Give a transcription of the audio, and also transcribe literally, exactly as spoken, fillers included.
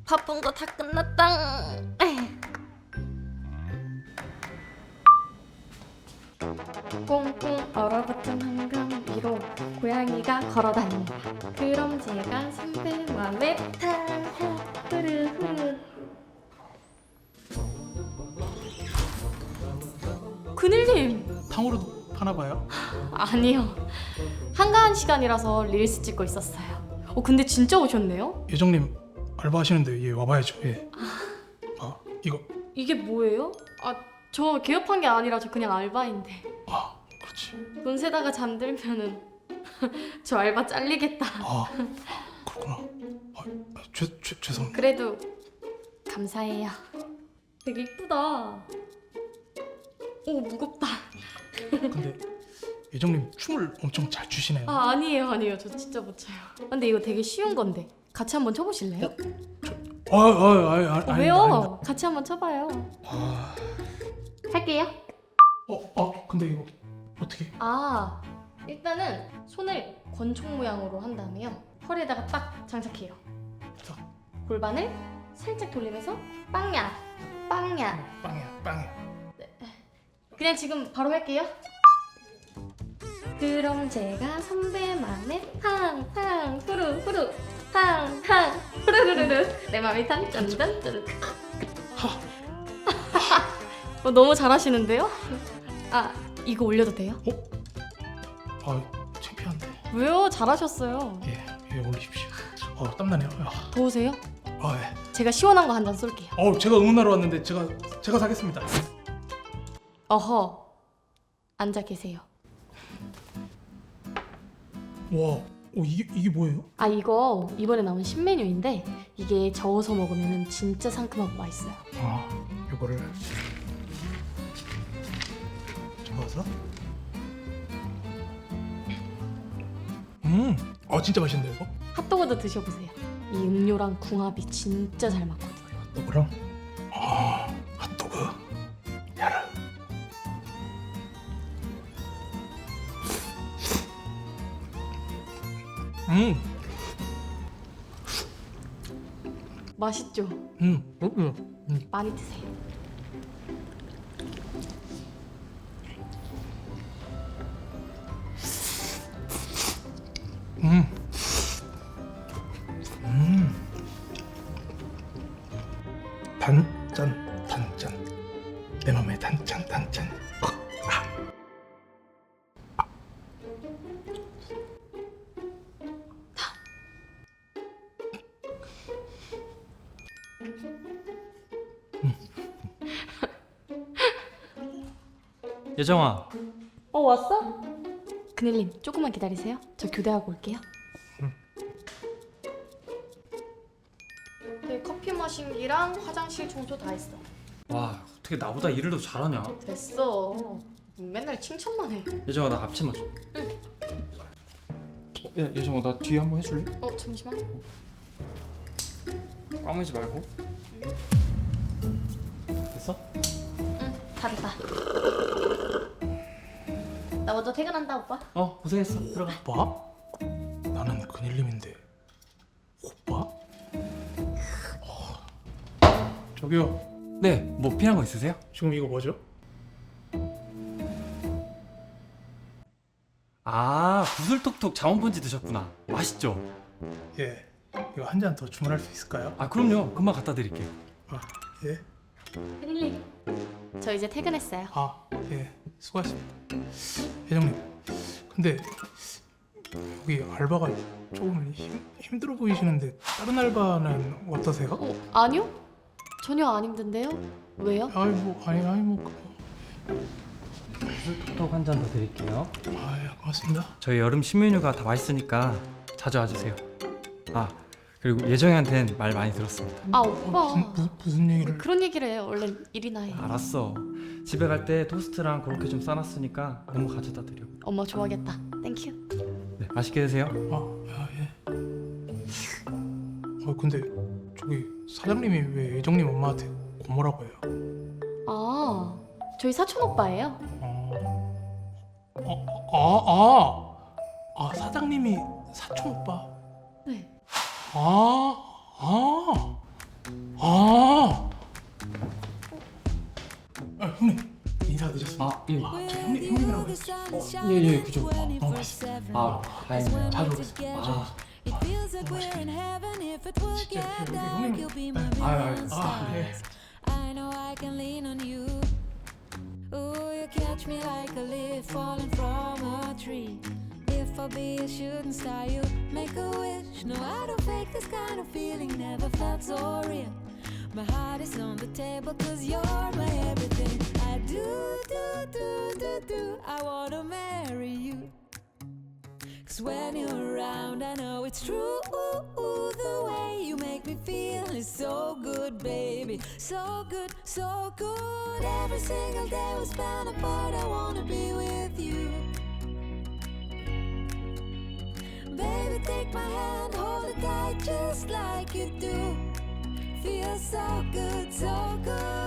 바쁜 거 다 끝났다. 꽁꽁 얼어붙은 한강 위로 고양이가 걸어다닌다. 그럼 제가 선배 맘에 탕 흐르흐르. 그늘님. 탕후루도 파나봐요? 아니요, 한가한 시간이라서 릴스 찍고 있었어요. 어 근데 진짜 오셨네요? 예정님 알바하시는데 예 와봐야죠. 예. 아 이거 이게 뭐예요? 아 저 개업한 게 아니라 저 그냥 알바인데. 아 그렇지. 돈 세다가 잠들면은 저 알바 잘리겠다. 아 그렇구나. 아, 아, 죄, 죄, 죄송합니다. 그래도 감사해요. 되게 이쁘다. 오 무겁다. 근데 예정님 춤을 엄청 잘 추시네요. 아 아니에요 아니에요 저 진짜 못 춰요. 근데 이거 되게 쉬운 건데 같이 한번 쳐보실래요? 아, 아, 아, 아, 어, 아닙니다, 왜요? 아닙니다. 같이 한번 쳐봐요. 아, 할게요. 어, 어, 근데 이거 어떻게? 아 일단은 손을 권총 모양으로 한 다음에요 허리에다가 딱 장착해요. 딱. 골반을 살짝 돌리면서 빵야 빵야. 빵이야, 빵이야. 그냥 지금 바로 할게요. 그럼 제가 선배만의 팡팡 후루 후루 팡팡 후루루루루 내 맘이 탕짠짠짠. 어, 너무 잘하시는데요? 아 이거 올려도 돼요? 아, 창피한데. 왜요? 잘하셨어요. 예, 예, 올리십시오. 어, 땀나네요. 아, 더우세요? 아, 예. 제가 시원한 거 한 잔 쏠게요. 어, 제가 응원하러 왔는데 제가 제가 사겠습니다. 어허 앉아 계세요. 와, 어, 이게 이게 뭐예요? 아 이거 이번에 나온 신메뉴인데 이게 저어서 먹으면 진짜 상큼하고 맛있어요. 아, 요거를 저어서. 음, 어, 진짜 맛있는데 이거? 핫도그도 드셔보세요. 이 음료랑 궁합이 진짜 잘 맞거든요. 핫도그랑 아, 핫도그 야를. 음, 맛있죠? 음, 음, 음. 많이 드세요. 음, 음. 단짠, 단짠. 내 맘에 단짠, 단짠. 예정아, 어 왔어? 그늘님 조금만 기다리세요. 저 교대하고 올게요. 네 커피 마신기랑 화장실 청소 다 했어. 와 어떻게 나보다 일을 더 잘하냐? 됐어. 맨날 칭찬만 해. 예정아 나 앞치마 좀. 응. 야 예정아 나 뒤에 한번 해줄래? 어 잠시만. 까매지 말고. 됐어? 응 다 됐다. 나 먼저 퇴근한다 오빠. 어 고생했어. 들어가. 오빠? 나는 그닐님인데 오빠? 어. 저기요, 네, 뭐 필요한 거 있으세요? 지금 이거 뭐죠? 아 구슬톡톡 자원분지 드셨구나. 맛있죠? 예, 이거 한 잔 더 주문할 수 있을까요? 아 그럼요. 금방 갖다 드릴게요. 아, 예, 그늘님 저 이제 퇴근했어요. 아, 예, 수고하셨습니다. 회장님, 근데 여기 알바가 조금 힘, 힘들어 보이시는데 다른 알바는 어떠세요? 어 아니요? 전혀 안 힘든데요? 왜요? 아이 뭐 아니 아니 뭐 구슬톡톡 한 잔 더 드릴게요. 아, 예, 고맙습니다. 저희 여름 신메뉴가 다 맛있으니까 자주 와주세요. 아 그리고 예정이한텐 말 많이 들었습니다. 아 어, 오빠 무슨 무, 무슨 얘기를? 그런 얘기를 해요. 얼른 일이나 해. 알았어. 집에 갈 때 토스트랑 그렇게 좀 싸놨으니까 너무 가져다 드려. 엄마 좋아하겠다. 땡큐. 네, 맛있게 드세요. 아, 아, 예. 어, 근데 저기 사장님이 왜 예정님 엄마한테 고모라고 해요? 아 저희 사촌 오빠예요. 어, 어, 아, 아, 아, 사장님이 사촌 오빠. 네. 아, 아, 아, 아 형님 인사 늦었습니다. 아, 예. 저 형님 형님이라고 했어요. 예, 예, 그죠. 어, 너무 맛있어요. 아, 다행이네요. 자주 오겠습니다. 아, 진짜 여기 형님. 네. 아, 아, 아, 네. I know I can lean on you. Ooh, you catch me like a leaf falling from a tree. If I be a shooting star, you make a wish. No, I don't fake this kind of feeling, never felt so real. My heart is on the table, cause you're my everything. I do, do, do, do, do. I wanna marry you. Cause when you're around, I know it's true. Ooh, ooh, the way you make me feel is so good, baby. So good, so good. Every single day we spend apart, I wanna be with you. Baby, take my hand, hold it tight just like you do. Feels so good, so good.